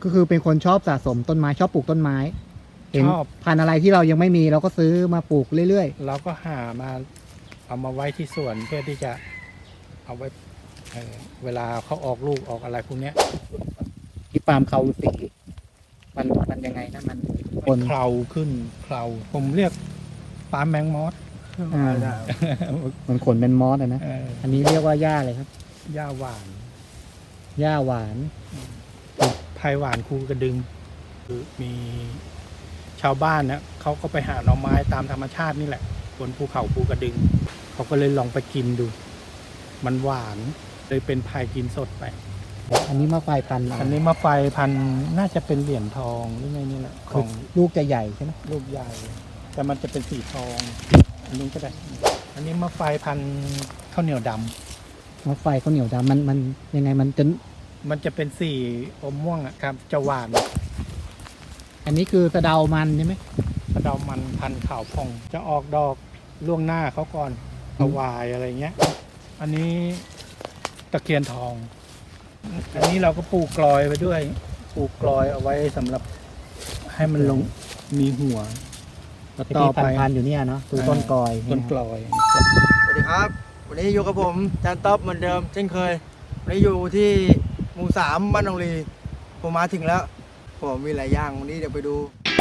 ก็คือเป็นคนชอบสะสมต้นไม้ชอบปลูกต้นไม้เห็นชอบพันธุ์อะไรที่เรายังไม่มีเราก็ซื้อมาปลูกเรื่อยเราก็หามาเอามาไว้ที่สวนเพื่อที่จะเอาไว้เวลาเขาออกลูกออกอะไรพวกเนี้ยๆที่ปาล์มเขาสีมันยังไงนะมันคมัน นเคลาขึ้นเคลาผมเรียกปาล์มแมงมอสมันขนเป็นมอสอะนะเอออันนี้เรียกว่าหญ้าอะไรครับหญ้าหวานหญ้าหวานไผ่หวานคูกระดึงคือมีชาวบ้านเนี่ยเขาก็ไปหาหน่อไม้ตามธรรมชาตินี่แหละบนภูเขาภูกระดึงเขาก็เลยลองไปกินดู มันหวานเลยเป็นไผ่กินสดไปอันนี้มาไฟพันธุ์อันนี้มาไฟพันธุ์น่าจะเป็นเหรียญทองหรือไงนี่แหละของลูกจะใหญ่ใช่ไหมลูกใหญ่ แต่มันจะเป็นสีทอง อันนี้ก็ได้ อันนี้มาไฟพันธุ์ข้าวเหนียวดำมาไฟข้าวเหนียวดำมันยังไงมันจะเป็นสีอมม่วงอะครับจะหวานอันนี้คือสะเดามันใช่ไหมกระเดามันพันธุ์ขาวพอง จะออกดอกล่วงหน้าเขาก่อนถวายอะไรเงี้ย อันนี้ตะเคียนทอง อันนี้เราก็ปลูกกลอยไปด้วย ปลูกกลอยเอาไว้สำหรับให้มันลงมีหัวแล้วต่อที่ไปพันๆอยู่เนี่ยเนาะคือต้นกอยต้นกลอยสวัสดีครับ วันนี้อยู่กับผมจานต๊อบเหมือนเดิมเช่นเคย วันนี้อยู่ที่หมู่3บ้านหนองลีผมมาถึงแล้ว ผมมีหลายอย่างวันนี้เดี๋ยวไปดู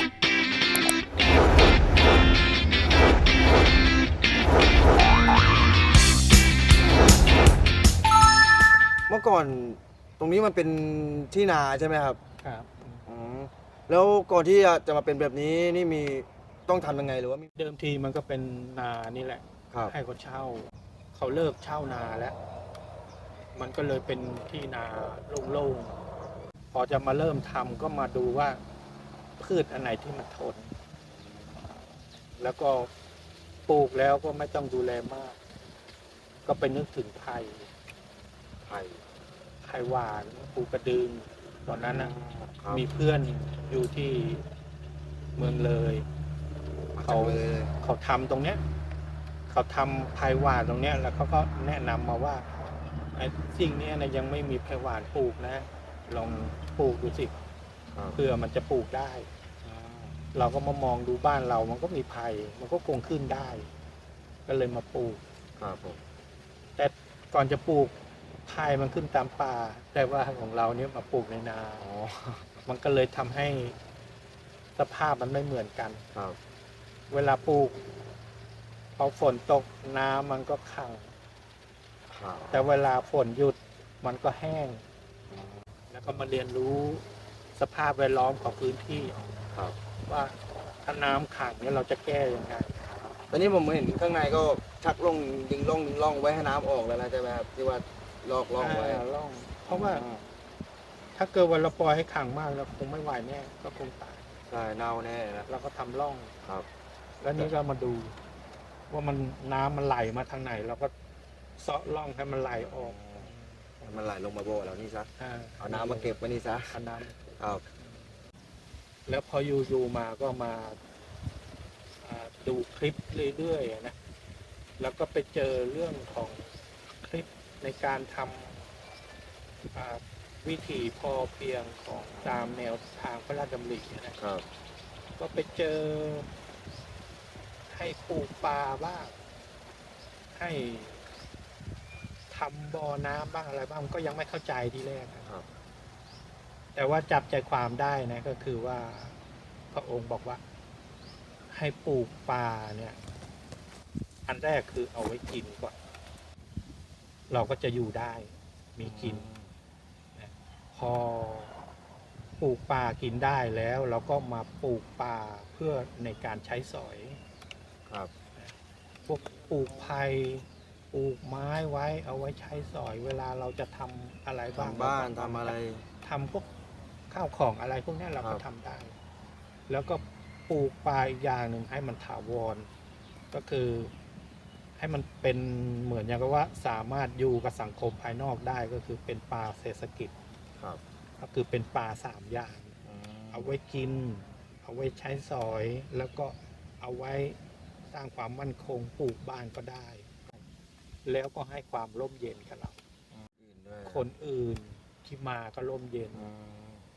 เมื่อก่อนตรงนี้มันเป็นที่นาใช่ไหมครับครับอืมแล้วก่อนที่จะมาเป็นแบบนี้นี่มีต้องทำยังไงหรือว่ามีเดิมทีมันก็เป็นนานี่แหละครับให้เขาเช่า เขาเลิกเช่านาแล้ว มันก็เลยเป็นที่นาโล่งๆ พอจะมาเริ่มทำก็มาดูว่าพืชอันไหนที่มันทน แล้วก็ปลูกแล้วก็ไม่ต้องดูแลมาก ก็ไปนึกถึงไผ่ไผ่ไผ่หวานปูกระดึง ตอนนั้นนะครับมีเพื่อนอยู่ที่เมืองเลยมาจากเขาเลยเขาทำตรงเนี้ย เขาทำไผ่หวานตรงเนี้ย แล้วเขาก็แนะนำมาว่าไอ้สิ่งเนี้ยนะยังไม่มีไผ่หวานปลูกนะ ลองปลูกดูสิครับเพื่อมันจะปลูกได้ เราก็มามองดูบ้านเรา มันก็มีไผ่ มันก็คงขึ้นได้ ก็เลยมาปลูกครับผมแต่ก่อนจะปลูกไผ่มันขึ้นตามป่า แต่ว่าของเราเนี่ยมาปลูกในนาอ๋อมันก็เลยทำให้สภาพมันไม่เหมือนกันครับเวลาปลูกพอฝนตกน้ำมันก็ขังครับแต่เวลาฝนหยุดมันก็แห้ง แล้วก็มาเรียนรู้สภาพแวดล้อมของพื้นที่ครับว่าถ้าน้ำขังเนี่ยเราจะแก้ยังไงตอนนี้ผมเห็นข้างในก็ชักลงดึงร่องไว้ให้น้ำออกแล้วนะใช่ไหมครับที่ว่าลอกร่องไว้ร่อง เพราะว่าถ้าเกิดวันเราปล่อยให้ขังมากเราคงไม่ไหวแน่ก็คงตายใช่เน่าแน่นะเราก็ทำร่องครับแล้วนี้ก็มาดู ว่ามันน้ำมันไหลมาทางไหน เราก็เซาะร่องให้มันไหลออกมันไหลลงมาโบเรานี่ซะ เอาน้ำมาเก็บไว้นี่ซะเอาน้ครับำแล้วพออยู่มาก็มาดูคลิปเรื่อยๆนะแล้วก็ไปเจอเรื่องของคลิปในการทำวิถีพอเพียงของตามแนวทางพระราชดำรินะครับ ก็ไปเจอให้ปลูกปลาบ้างให้ทำบ่อน้ำบ้างอะไรบ้างก็ยังไม่เข้าใจทีแรกนะครับ แต่ว่าจับใจความได้นะก็คือว่าพระองค์บอกว่า ให้ปลูกปลาเนี่ย อันแรกคือเอาไว้กินก่อน เราก็จะอยู่ได้มีกิน พอปลูกปลากินได้แล้วเราก็มาปลูกปลาเพื่อในการใช้สอยครับพวกปลูกไผ่ปลูกไม้ไว้เอาไว้ใช้สอย เวลาเราจะทำอะไรบ้างทำบ้านทำอะไรทำพวกข้าวของอะไรพวกนี้เราครัก็บทำได้ แล้วก็ปลูกปลาอีกอย่างหนึ่งให้มันถาวร ก็คือให้มันเป็นเหมือนอย่างกับว่าสามารถอยู่กับสังคมภายนอกได้ก็คือเป็นปลาเศรษฐกิจครับก็คือเป็นปลา3 อย่าง เอาไว้กิน เอาไว้ใช้สอย แล้วก็เอาไว้สร้างความมั่นคงปลูกบ้านก็ได้ แล้วก็ให้ความร่มเย็นกับเราอื่นด้วยคนอื่นที่มาก็ร่มเย็นอืม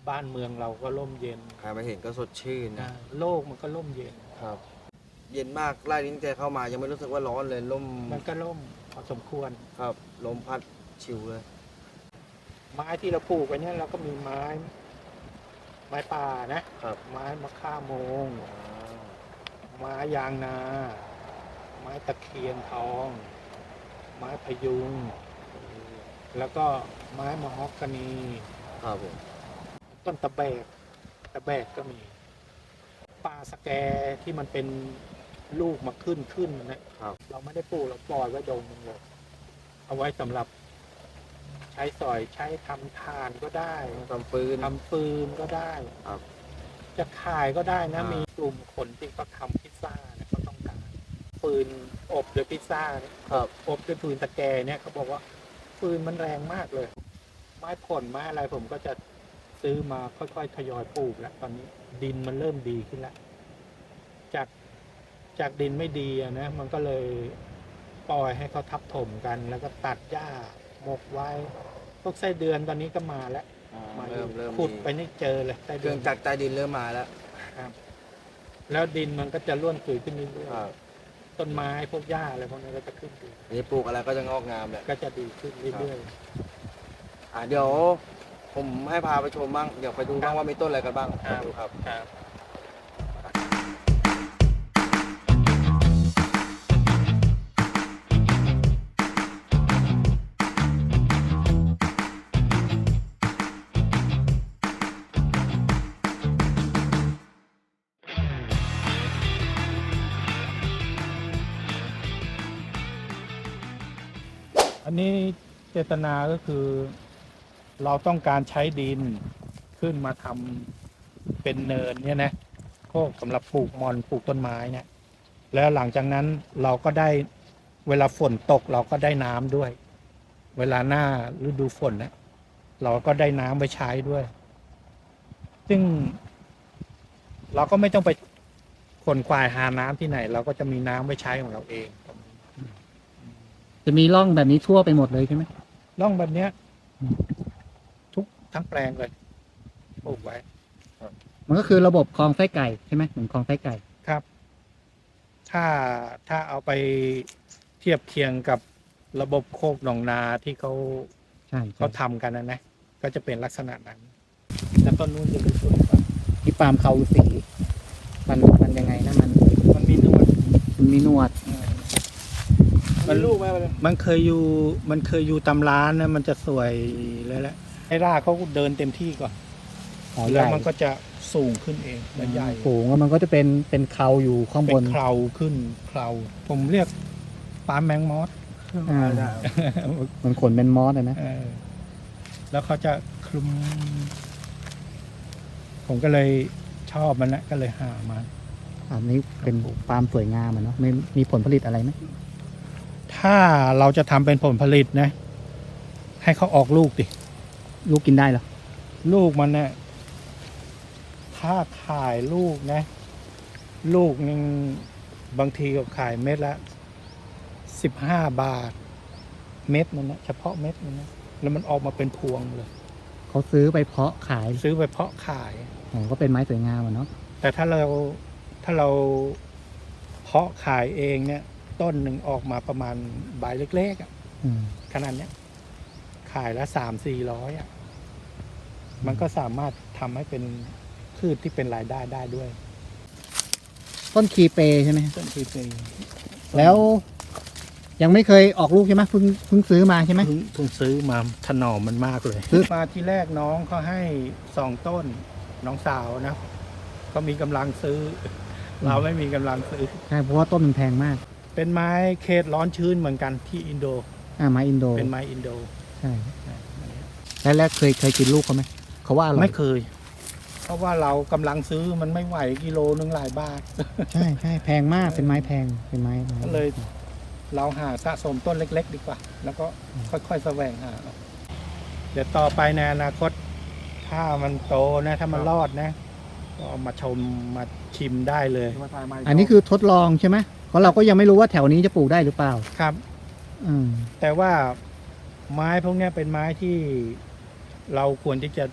บ้านเมืองเราก็ร่มเย็นใครมาเห็นก็สดชื่นนะโลกมันก็ร่มเย็นครับ เย็นมากไล่ลิ้นแกเข้ามายังไม่รู้สึกว่าร้อนเลยลมมันก็ร่มพอสมควรครับลมพัดชิวเลยไม้ที่เราปลูกไว้เนี่ยเราก็มีไม้ป่านะครับ ไม้มะข่าโมง ไม้ยางนา ไม้ตะเคียนทอง ไม้พยุง แล้วก็ไม้มะฮอกกานีครับผมต้นตะแบกก็มีปลาสแกที่มันเป็นลูกมาขึ้นนะครับ เราไม่ได้ปลูกเราปล่อยไว้ดงมันเลยเอาไว้สำหรับใช้สอยใช้ทำทานก็ได้ทำปืนทำฟืนก็ได้ครับจะขายก็ได้นะอ่ามีมีกลุ่มคนที่เขาทำพิซซ่าเนี่ยเขาต้องการฟืนอบด้วยพิซซ่าเนี่ยครับอบด้วยฟืนตะแกเนี่ยเขาบอกว่าฟืนมันแรงมากเลย ไม้ผลไม้อะไรผมก็จะซื้อมาค่อยๆทยอยปลูกแล้วตอนนี้ดินมันเริ่มดีขึ้นแล้วจากดินไม่ดีอะนะมันก็เลยปล่อยให้เขาทับถมกัน แล้วก็ตัดหญ้าหมกไว้พวกไส้เดือนตอนนี้ก็มาแล้วมาเริ่มขุดมีไปนี่เจอเลยไส้เคเดืรื่ออน งจักรใต้ดินเริ่มมาแล้วครับ แล้วดินมันก็จะร่วนซุยขึ้นเรื่อยครับๆต้นไม้พวกหญ้าอะไรพวกนี้ก็จะขึ้นดีนี่ปลูกอะไรก็จะงอกงามแหละก็จะดีขึ้นเรื่อยเดี๋ยวผมให้พาไปชมบ้างเดี๋ยวไปดูบ้างว่ามีต้นอะไรกันบ้างครับดูครับๆครับ อันนี้เจตนาก็คือ เราต้องการใช้ดินขึ้นมาทำเป็นเนินเนี่ยนะโคกสำหรับปลูกมอนปลูกต้นไม้เนี่ย แล้วหลังจากนั้นเราก็ได้เวลาฝนตกเราก็ได้น้ำด้วย เวลาหน้าฤดูฝนนะเราก็ได้น้ำไว้ใช้ด้วย ซึ่ง เราก็ไม่ต้องไปขนควายหาน้ำที่ไหน เราก็จะมีน้ำไว้ใช้ของเราเองจะมีร่องแบบนี้ทั่วไปหมดเลยใช่ไหมร่องแบบเนี้ยอืมทุกทั้งแปลงเลยปลูกไว้มันก็คือระบบคลองไส้ไก่ใช่ไหมเหมือนคลองไส้ไก่ครับ ถ้าเอาไปเทียบเคียงกับระบบโคกหนองนาที่เขาใช่เขาทำกันนะก็จะเป็นลักษณะนั้นแล้วต้นนู้นจะเป็นต้นปาล์มที่ปาล์มเขาสีมันยังไงนะมันมีหนวดมันมีหนวดมันลูกไหมมันเคยอยู่ตำร้านนะมันจะสวยเลยแหละให้รากเขาเดินเต็มที่ก่อนหอใหแล้วญ่มันก็จะสูงขึ้นเองและใหญ่สูงแล้วมันก็จะเป็นเขาอยู่ข้างบเป็น นเคราขึ้นเคราผมเรียกปาล์มแมงมอสอ่ามันขนเป็นมอสเลยนะแล้วเขาจะคลุม ผมก็เลยชอบมันนะก็เลยหามาอันนี้เป็นปาล์มสวยงามอะเนาะไม่มีผลผลิตอะไรไหมถ้าเราจะทำเป็นผลผลิตนะ ให้เขาออกลูกดิลูกกินได้เหรอลูกมันเนี่ยถ้าขายลูกนะ ลูกนึงบางทีก็ขายเม็ดละ15 บาท เม็ดมันนะเฉพาะเม็ดมันนะแล้วมันออกมาเป็นพวงเลยเขาซื้อไปเพาะขายซื้อไปเพาะขายอ๋อก็เป็นไม้สวยงามอะเนาะแต่ถ้าเราเพาะขายเองเนี่ย ต้นหนึ่งออกมาประมาณใบเล็กๆอะอืมขนาดเนี้ยขายละ300-400อ่ะมันก็สามารถทำให้เป็นพืชที่เป็นรายได้ได้ด้วยต้นคีเปใช่ไหมต้นคือเป็นแล้วยังไม่เคยออกลูกใช่ไหมเพิ่งซื้อมาใช่ไหมเพิ่งซื้อมาถนอมมันมากเลยซื้อมาที่แรกน้องเขาให้2 ต้น น้องสาวนะเขามีกำลังซื้อ เราไม่มีกำลังซื้อใช่เพราะว่าต้นมันแพงมากเป็นไม้เขตร้อนชื้นเหมือนกันที่อินโดไม้อินโดเป็นไม้อินโดใช่แล้วเคยกินลูกเขาไหมเขาว่าอร่อยไม่เคย เพราะว่าเรากำลังซื้อมันไม่ไหวกิโลนึงหลายบาทใช่แพงมากเป็นไม้แพงเป็นไม้ก็เลย เราหาสะสมต้นเล็ก ๆ ดีกว่า แล้วก็ค่อยๆแสวงหาเอาเดี๋ยวต่อไปในอนาคต ถ้ามันโตนะ ถ้ามันรอดนะ ก็เอามาชมมาชิมได้เลยอันนี้คือทดลองใช่ไหมเพราะเราก็ยังไม่รู้ว่าแถวนี้จะปลูกได้หรือเปล่าครับอืมแต่ว่าไม้พวกเนี้ยเป็นไม้ที่เราควรที่จะ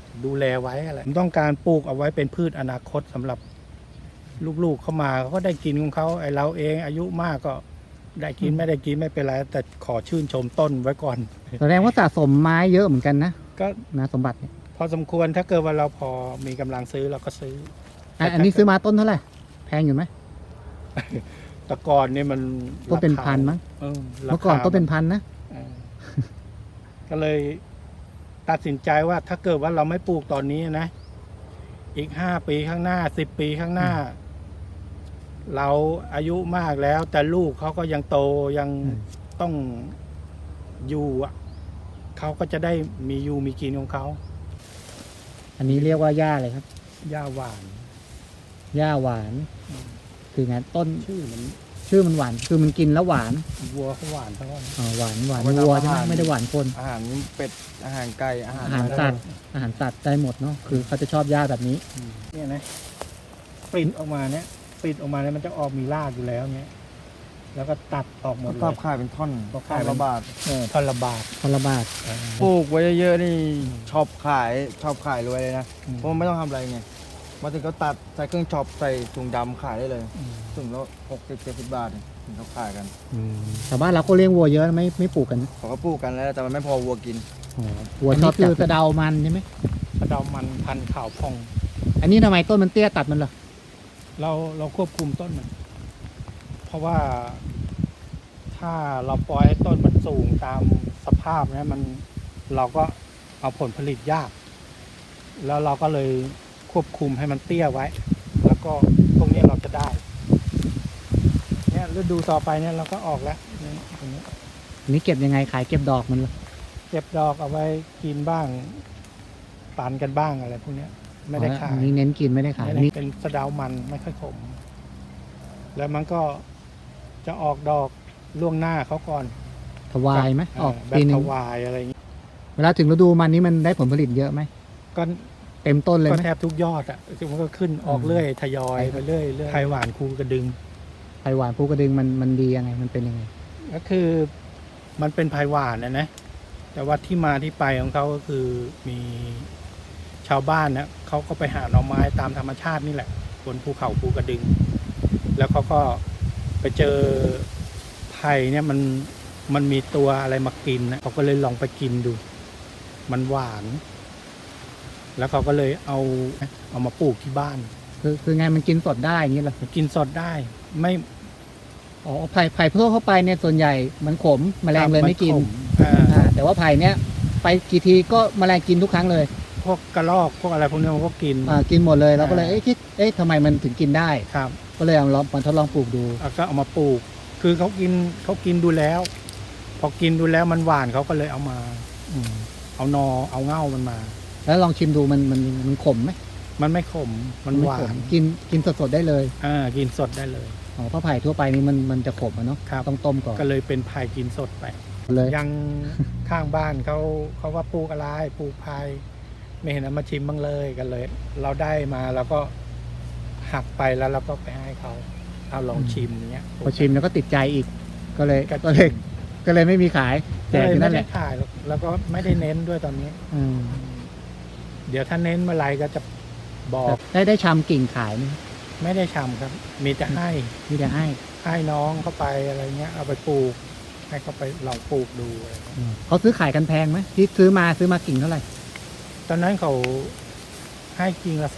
ดูแลไว้อะไรผมต้องการปลูกเอาไว้เป็นพืชอนาคตสำหรับลูกๆเข้ามาเขาก็ได้กินของเขาไอเราเองอายุมากก็ได้กินไม่ได้กินไม่เป็นไรแต่ขอชื่นชมต้นไว้ก่อนแสดงว่าสะสมไม้เยอะเหมือนกันนะก็นะสมบัติเนี่ยพอสมควรถ้าเกิดว่าเราพอมีกำลังซื้อเราก็ซื้ออันนี้ซื้อมาต้นเท่าไหร่แพงอยู่ไหมแต่ก่อนเนี่ยมันต้นเป็นพันมั้งราคาเมื่อก่อนต้นเป็นพันนะเออก็เลยตัดสินใจว่าถ้าเกิดว่าเราไม่ปลูกตอนนี้นะ อีก5 ปีข้างหน้า10 ปีข้างหน้า เราอายุมากแล้ว แต่ลูกเขาก็ยังโตยังต้องอยู่อ่ะเขาก็จะได้มีอยู่มีกินของเขาอันนี้เรียกว่าหญ้าเลยครับหญ้าหวานหญ้าหวาน คือไงต้นชื่อมันชื่อมันหวาน คือมันกินแล้วหวานวัวเขาหวานเท่านั้นอ๋อหวานหวานเอาไว้ทำวัวใช่ไหมอาหารไม่ได้หวานคนอาหารเป็ดอาหารไก่อาหารอาหารสัตว์ อาหารสัตว์ได้หมดเนาะ คือเขาจะชอบหญ้าแบบนี้เนี่ยนะปริ้นออกมาเนี่ยปริ้นออกมาเนี่ยมันจะออกมีรากอยู่แล้วเนี่ยแล้วก็ตัดออกหมดเลชอบยขายเป็นท่อนก็ขายเป็นละบาทท่อนละบาทคนละบาทปลูกไว้เยอะๆนี่ชอบขายรวยเลยนะอืมเพราะมันไม่ต้องทำอะไรไงมาถึงก็ตัดใส่เครื่องช็อปใส่ถุงดำขายได้เลยอืมถุงละ60-70 บาทเนี่ยถึงเขาขายกันชาวบ้านเราก็เลี้ยงวัวเยอะไม่ปลูกกันนะเขาก็ปลูกกันแล้วแต่มันไม่พอวัวกินอ๋อวัวชอบคือสะเดามันใช่ไหมกระเดามันพันธุ์ขาวพองอันนี้ทำไมต้นมันเตี้ยตัดมันเหรอเราควบคุมต้นมัน เพราะว่าถ้าเราปล่อยให้ต้นมันสูงตามสภาพเนี่ยเราก็เอาผลผลิตยาก แล้วเราก็เลยควบคุมให้มันเตี้ยไว้ แล้วก็ตรงนี้เราจะได้ เนี่ยฤดูต่อไปเนี่ยเราก็ออกแล้วเนี่ยตรงนี้อันนี้เก็บยังไงขายเก็บดอกมันเหรอเก็บดอกเอาไว้กินบ้างปานกันบ้างอะไรพวกเนี้ย ไม่ได้ขายอันนี้เน้นกินไม่ได้ขายไม่อันได้นี้เป็นสะเดามันไม่ค่อยขม แล้วมันก็จะออกดอกล่วงหน้าเขาก่อนถวายไหมออกแบบปีหนึถงวายอะไรอย่างงี้เวลาถึงฤดูมันนี้มันได้ผลผลิตเยอะไหมก็เต็มต้นเลยก็ไหมแทบทุกยอดอ่ะคือมันก็ขึ้นออกเรื่อยทยอยไปเรื่อยเรื่อยไทยหวานคูกระดึงไผ่หวานภูกระดึงมันดียังไงมันเป็นยังไงก็คือมันเป็นไผ่หวานนะแต่ว่าที่มาที่ไปของเขาก็คือมีชาวบ้านนะเขาก็ไปหาหน่อไม้ตามธรรมชาตินี่แหละบนภูเขาภูกระดึง แล้วเขาก็ไปเจอไผ่เนี่ยมันมีตัวอะไรมากินนะเขาก็เลยลองไปกินดู มันหวาน แล้วเขาก็เลยเอามาปลูกที่บ้านคือไงมันกินสดได้อย่างนี้เหรอมันกินสดได้ไม่อ๋อไผ่ทั่วเข้าไปเนี่ยส่วนใหญ่มันขมแมลงเลยไม่กินขอ่าแต่ว่าไผ่เนี่ยไปกี่ทีก็แมลงกินทุกครั้งเลยพวกกระรอกพวกอะไรพวกนี้มันก็กินกินหมดเลยเราก็เลยคิดทำไมมันถึงกินได้ครับก็เลยเอาลองมาทดลองปลูกดูแล้วก็เอามาปลูก คือเขากินดูแล้ว พอกินดูแล้วมันหวานเขาก็เลยเอามา เอานอเอาเง่ามันมาแล้วลองชิมดูมันขมไหมมันไม่ขมมันหวาไขนกินสดๆได้เลยกินสดได้เลยอ๋อเพราะไผ่ทั่วไปนี่มันจะขมอะเนาะครับต้องต้มก่อนก็เลยเป็นพายกินสดไปเลยยังข้างบ้านเขาว่าปลูกอะไรปลูกพาย ไม่เห็นเอามาชิมบ้างเลยกันเลย เราได้มาเราก็หักไปแล้วเราก็ไปให้เขาเอาลองชิมเนี้ยพอชิมแล้วก็ติดใจอีก ก็เลยก็ก็เลยไม่มีขายแจก็กเลยอยู่ไม่นั่นแหได้ละขายหรอกแล้วก็ไม่ได้เน้นด้วยตอนนี้อืมเดี๋ยวถ้าเน้นเมื่อไหรก็จะบอกได้ชำกิ่งขายไหมไม่ได้ชำครับ มีแต่ให้มีแต่ให้น้องเข้าไปอะไรเงี้ย เอาไปปลูก ให้เขาไปลองปลูกดูอะไรเงี้ยเขาซื้อขายกันแพงไหมที่ซื้อมากิ่งเท่าไหร่ตอนนั้นเขาให้กิ่งละ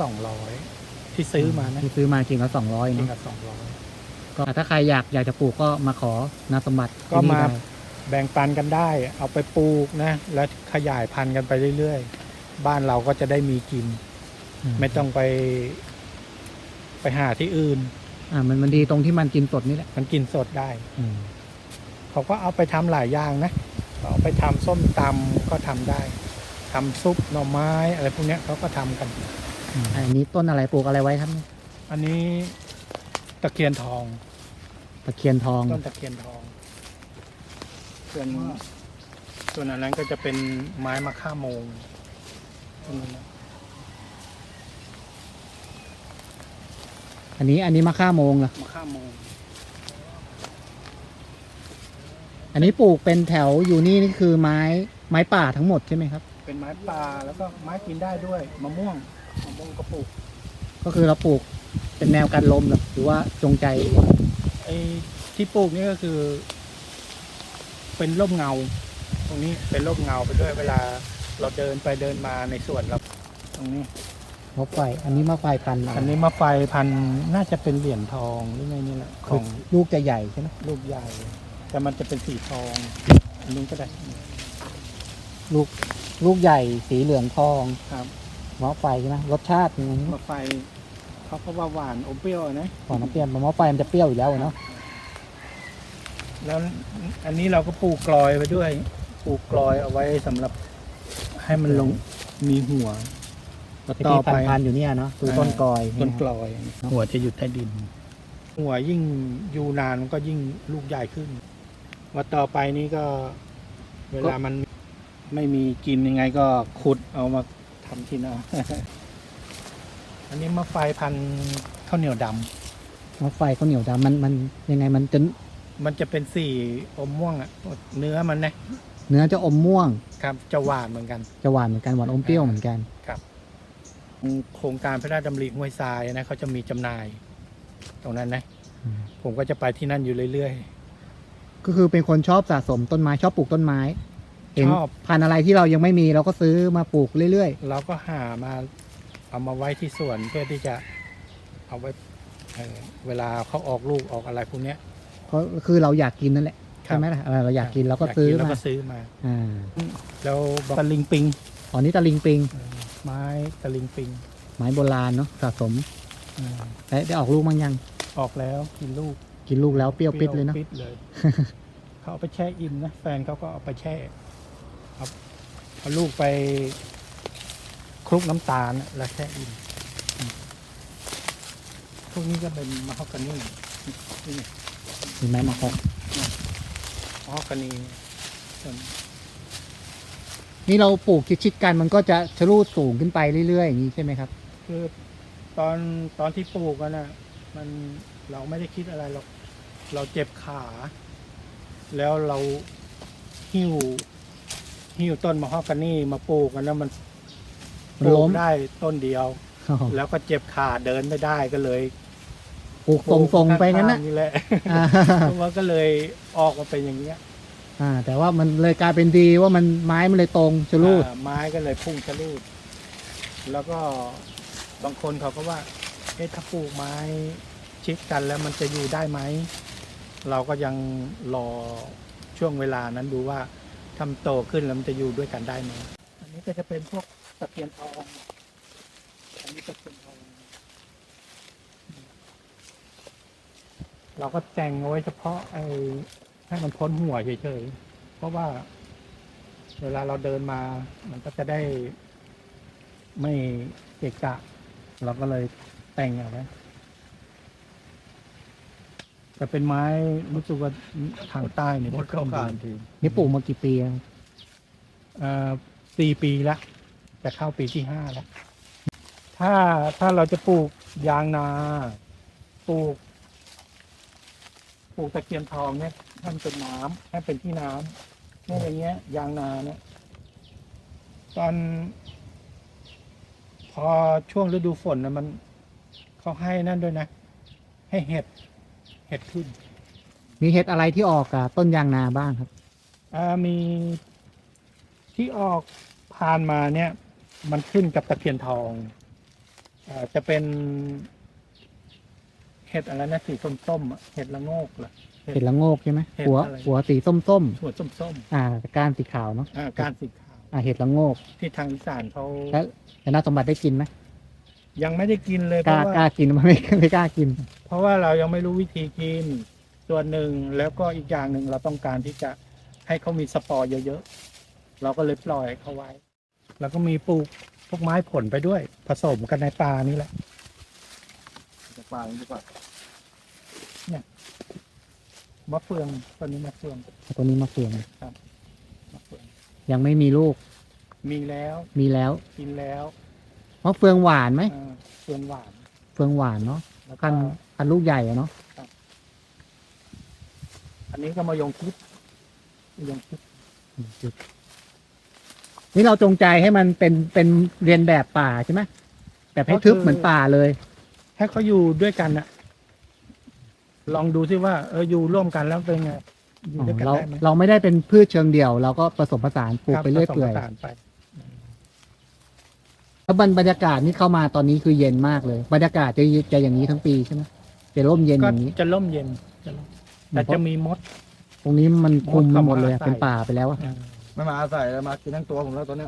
200ที่ซื้อมานะที่ซื้อมากิ่งละ200 กิ่งเนาะละ200 ก็ถ้าใครอยากจะปลูกก็มาขอนาสมบัติก็ที่นี่มาได้แบ่งปันกันได้ เอาไปปลูกนะ แล้วขยายพันธุ์กันไปเรื่อยๆ บ้านเราก็จะได้มีกิน ไม่ต้องไปหาที่อื่นมันดีตรงที่มันกินสดนี่แหละมันกินสดได้อืมเขาก็เอาไปทำหลายอย่างนะเอาไปทำส้มตำก็ทำได้ทำซุปหน่อไม้อะไรพวกเนี้ยเขาก็ทำกันอันนี้ต้นอะไรปลูกอะไรไว้ครับเนี่ยอันนี้ตะเคียนทองตะเคียนทองต้นตะเคียนทองส่วนอันนั้นก็จะเป็นไม้มะค่าโมงต้นนั้นนะอันนี้มะค่าโมงเหรอมะค่าโมงอันนี้ปลูกเป็นแถวอยู่นี่คือไม้ป่าทั้งหมดใช่ไหมครับเป็นไม้ป่าแล้วก็ไม้กินได้ด้วยมะม่วงก็ปลูกก็คือเราปลูกเป็นแนวกันลมหรือว่าจงใจไอ้ที่ปลูกนี่ก็คือ เป็นร่มเงา ตรงนี้เป็นร่มเงาไปด้วยเวลาเราเดินไปเดินมาในสวนเราตรงนี้มะไฟ อันนี้มะไฟพันธุ์อันนี้มะไฟพันธุ์น่าจะเป็นเหรียญทองหรือไงนี่แหละขคือองลูกจะใหญ่ใช่ไหมลูกใหญ่ แต่มันจะเป็นสีทองอันนี้ก็ได้ลูกใหญ่สีเหลืองทองครับมะไฟใช่ไหมรสชาติยังไงมะไฟเขาก็ว่าหวานอมเปรี้ยวนะก่อนน้ำเปรี้ยวมะไฟมันจะเปรี้ยวอยู่แล้วเนาะแล้วอันนี้เราก็ปลูกกลอยไปด้วย ปลูกกลอยเอาไว้สำหรับให้มันลงมีหัวแล้วที่ต่อพัไปนธุ์อยู่เนี่ยเนาะคือต้นกอยต้นกลอย หัวจะอยู่ใต้ดิน หัวยิ่งอยู่นานมันก็ยิ่งลูกใหญ่ขึ้นว่าต่อไปนี้ก็ เวลามันไม่มีกินยังไงก็ขุดเอามาทำกินเอา อันนี้มะไฟพันธุ์ข้าวเหนียวดำมะไฟข้าวเหนียวดำมันยังไงมันจะมันจะเป็นสีอมม่วงอะเนื้อมันนะเนื้อจะอมม่วงครับจะหวานเหมือนกันจะหวานเหมือนกันหวานอมเปรี้ยวเหมือนกันโครงการพระราชดำริห้วยทรายนะเขาจะมีจำหน่าย ตรงนั้นนะอืมผมก็จะไปที่นั่นอยู่เรื่อยก็คือเป็นคนชอบสะสมต้นไม้ชอบปลูกต้นไม้เห็นชอบพันธุ์อะไรที่เรายังไม่มีเราก็ซื้อมาปลูกเรื่อยๆเราก็หามาเอามาไว้ที่สวนเพื่อที่จะเอาไว้เวลาเขาออกลูกออกอะไรพวกเนี้ยๆก็คือเราอยากกินนั่นแหละครัใช่บไหมล่ะเราอยากกินเราก็ซื้อแล้วมาก็ซื้อมาอ่าแล้วตะลิงปิงอ๋อนี่ตะลิงปิงไม้ตะลิงปิงไม้โบราณเนาะสะสมอืมได้ออกลูกมั้งยังออกแล้วกินลูกกินลูกแล้วเปรี้ยวปิดเลยเนาะปิดเลย เขาเอาไปแช่อิ่มนะแฟนเขาก็เอาไปแช่เอาลูกไปคลุกน้ำตาลแล้วแช่อิ่มพวกนี้ก็เป็นมะฮอกกานีนี่มีไม้มาคอกมะฮอกกานีส่วนนี่เราปลูกชิดๆกันมันก็จะชะลูดสูงขึ้นไปเรื่อยๆอย่างนี้ใช่ไหมครับคือตอนที่ปลูกกันนะมันเราไม่ได้คิดอะไรหรอกเราเจ็บขา แล้วเราหิ้วต้นมะฮอกกานีมาปลูกกันแล้วมันมันปลูล้กมได้ต้นเดียว แล้วก็เจ็บขาเดินไม่ได้ก็เลยปลูกทรงๆไปงั้นนะนี่แหละอ่ามันก็เลยออกมาเป็นอย่างเงี้ยแต่ว่ามันเลยกลายเป็นดีว่ามันไม้มันเลยตรงชะลูดไม้ก็เลยพุ่งชะลูด แล้วก็บางคนเขาก็ว่าเอ๊ะถ้าปลูกไม้ชิดกันแล้วมันจะอยู่ได้ไหมเราก็ยังรอช่วงเวลานั้นดูว่าทำโตขึ้นแล้วมันจะอยู่ด้วยกันได้ไหมอันนี้ก็จะเป็นพวกตะเพียนทองอันนี้ตะเพียนทองเราก็แต่งเอาไว้เฉพาะให้มันพ้นหัวเฉยๆเพราะว่า เวลาเราเดินมามันก็จะได้ไม่เกะกะ เราก็เลยแต่งเอาไว้แต่เป็นไม้รู้สึกว่าทางใต้เนี่ยไม่ค่อยดีทีนี่ปลูกมากี่ปีแล้ว 4 ปีแล้วจะเข้าปีที่ 5แล้วถ้าเราจะปลูกยางนาปลูกตะเคียนทองเนี่ยให้มันเป็นน้ำให้เป็นที่น้ำเนี่ยอย่างเงี้ย ยางนาเนี่ย ตอนพอช่วงฤดูฝนนะมันเขาให้นั่นด้วยนะ ให้เห็ดขึ้นมีเห็ดอะไรที่ออกกับต้นยางนาบ้างครับมีที่ออกผ่านมาเนี่ย มันขึ้นกับตะเพียนทองจะเป็นเห็ดอะไรนะสีส้มๆอะเห็ดละโงกเหรอเห็ดละโงกใช่ไหมเห็ดหัวอะไรหัวสีส้มถั่วส้มๆก้านสีขาวเนาะๆการสีขาวเห็ดละโงกที่ทางอีสานเขาแล้วนาสมบัติได้กินไหมยังไม่ได้กินเลยกล้ากล้ากินมันไม่กล้ากินเพราะว่าเรายังไม่รู้วิธีกินส่วนหนึ่งแล้วก็อีกอย่างหนึ่งเราต้องการที่จะให้เขามีสปอร์เยอะๆเราก็เลยปล่อยเขาไว้ แล้วก็มีปลูกพวกไม้ผลไปด้วย ผสมกันในป่านี่แหละป่าดีกว่าเนี่ยมะเฟืองตัวนี้มะเฟืองตัวนี้มะเฟืองมะเฟืองยังไม่มีลูกมีแล้วมีแล้วกินแล้วมะเฟืองหวานไหมเฟืองหวานเฟืองหวานเนาะแล้วก็พันลูกใหญ่อะเนาะอันนี้ก็มายงชิดมายงชิดนี่เราจงใจให้มันเป็นเรียนแบบป่าใช่ไหมแบบให้ทึบเหมือนป่าเลยให้เขาอยู่ด้วยกันอะลองดูซิว่าอยู่ร่วมกันแล้วเป็นไงอยู่ด้วยกันเราได้ไหมเราไม่ได้เป็นพืชเชิงเดี่ยว เราก็ผสมผสานปลูกไปเรื่อยผสมเปื่ผอยสานไปแล้วบรรยากาศนี่เข้ามาตอนนี้คือเย็นมากเลย บรรยากาศจะอย่างนี้ทั้งปีใช่ไหมจะร่มเย็นอก็ย่างนี้จะร่มเย็นจะร่มแต่จะมีมดตรงนี้มันคุมมดเข้ามาหมดเลยอะใส่เป็นป่าไปแล้วอะไม่มาอาศัยแล้วมากินทั้งตัวผมแล้วตอนเนี้ย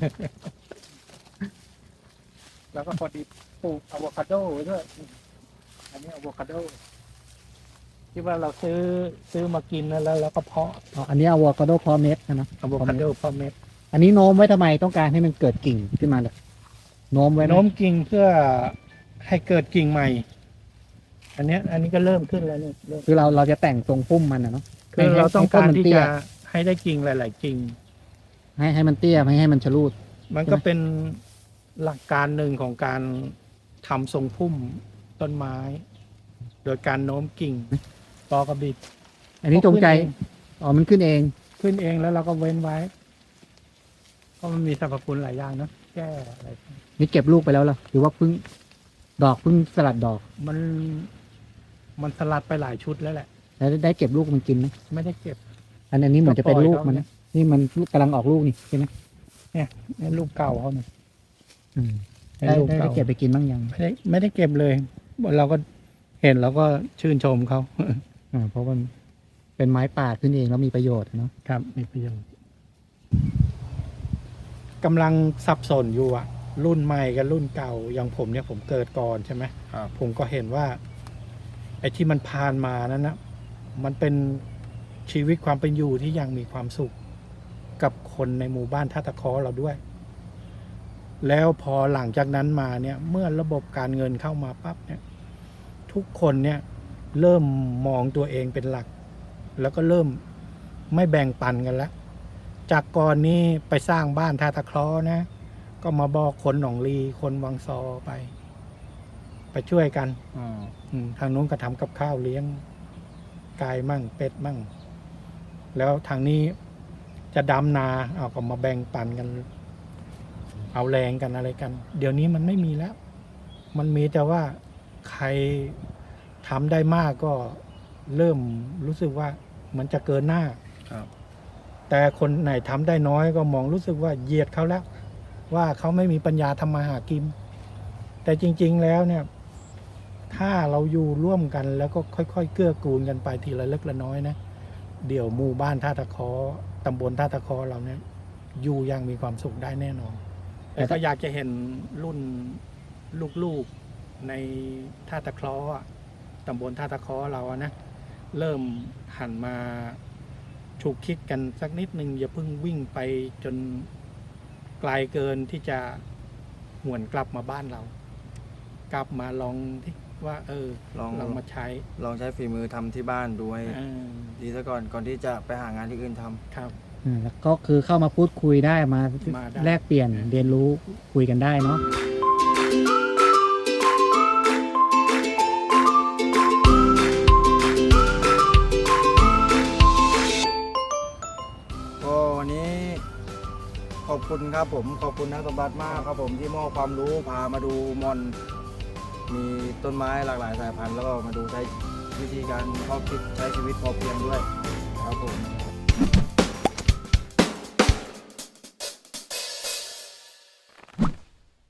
แล้วก็พอดีปลูกอะโวคาโดไว้ด้วยอันนี้อะโวคาโดที่ว่าเราซื้อมากินแล้วเราก็เพาะอ๋ออันนี้อะโวคาโดพอเม็ดนะอะโวคาโดเพาะเม็ดอันนี้โน้มไว้ทำไมต้องการให้มันเกิดกิ่งขึ้นมาเลยโน้มไว้ไหมโน้มกิ่งเพื่อให้เกิดกิ่งใหม่ อันนี้ก็เริ่มขึ้นแล้วเนี่ยเริ่มคือเราจะแต่งทรงพุ่มมันนะเนาะคือเราต้องการที่ให้ต้นมันเตี้ยจะให้ได้กิ่งหลาย ๆ กิ่งให้มันเตี้ยไม่ให้มันชะลูดมันก็เป็นหลักการหนึ่งของการทำทรงพุ่มต้นไม้ โดยการโน้มกิ่งปอกระบิดอันนี้จงใจอ๋อมันขึ้นเองขึ้นเองแล้วเราก็เว้นไว้เพราะมันมีสรรพคุณหลายอย่างเนอะแก้อะไรนี่เก็บลูกไปแล้วเหรอหรือว่าเพิ่งสลัดดอกมันสลัดไปหลายชุดแล้วแหละแล้วได้เก็บลูกมันกินไหมไม่ได้เก็บอันนี้เหมือนจะเป็นลูกมันก็ปล่อยเขาเนี่นะยนี่มันกำลังออกลูกนี่ใช่ไหมนี่ลูกเก่าเขาเนี่ยอืมเป็นได้ลูกได้เก่าเก็บไปกินบ้างยังไม่ได้เก็บเลย เราก็เห็นแล้วก็ชื่นชมเขาเพราะมันเป็นไม้ป่าขึ้นเองแล้วมีประโยชน์เนาะครับมีประโยชน์กำลังสับสนอยู่อะรุ่นใหม่กับรุ่นเก่าอย่างผมเนี่ยผมเกิดก่อนใช่ไหมครับผมก็เห็นว่า ไอ้ที่มันผ่านมานั้นนะมันเป็นชีวิตความเป็นอยู่ที่ยังมีความสุข กับคนในหมู่บ้านท่าตะเคอเราด้วย แล้วพอหลังจากนั้นมาเนี่ย เมื่อระบบการเงินเข้ามาปั๊บเนี่ย ทุกคนเนี่ย เริ่มมองตัวเองเป็นหลัก แล้วก็เริ่มไม่แบ่งปันกันแล้ว จากก่อนนี้ไปสร้างบ้านท่าตะเคราะห์นะ ก็มาบอกคนหนองลีคนวังซอไปช่วยกัน ทางนู้นก็ทำกับข้าวเลี้ยงไก่มั่งเป็ดมั่ง แล้วทางนี้จะดำนาเอาก็มาแบ่งปันกัน เอาแรงกันอะไรกัน เดี๋ยวนี้มันไม่มีแล้ว มันมีแต่ว่าใครทำได้มากก็เริ่มรู้สึกว่ามันจะเกินหน้าครับแต่คนไหนทำได้น้อยก็มองรู้สึกว่าเหยียดเขาแล้ว ว่าเขาไม่มีปัญญาทำมาหากิน แต่จริง ๆ แล้วเนี่ย ถ้าเราอยู่ร่วมกันแล้วก็ค่อยๆเกื้อกูลกันไปทีละเล็กละน้อยนะเดี๋ยวหมู่บ้านท่าตะเคอตำบลท่าตะเคอเราเนี่ยอยู่อยังมีความสุขได้แน่นอน แต่ก็อยากจะเห็นรุ่นลูกๆในท่าตะเคอตำบลท่าตะเคอเราอะนะเริ่มหันมาฉุกคิดกันสักนิดนึงอย่าเพิ่งวิ่งไปจนไกลเกินที่จะหวนกลับมาบ้านเรา กลับมาลองที่ว่าลองลองมาใช้ลองใช้ฝีมือทำที่บ้านดูให้เออดีซะก่อนที่จะไปหางานที่อื่นทำครับแล้วก็คือเข้ามาพูดคุยได้มามาได้แลกเปลี่ยนเรียนรู้คุยกันได้เนาะก็วันนี้ขอบคุณครับผมขอบคุณนักสมบัติมากครับผมที่มอบความรู้พามาดูมอน มีต้นไม้หลากหลายสายพันธุ์แล้วก็มาดูใช้วิธีการเพาะคิดใช้ชีวิตพอเพียงด้วยครับผม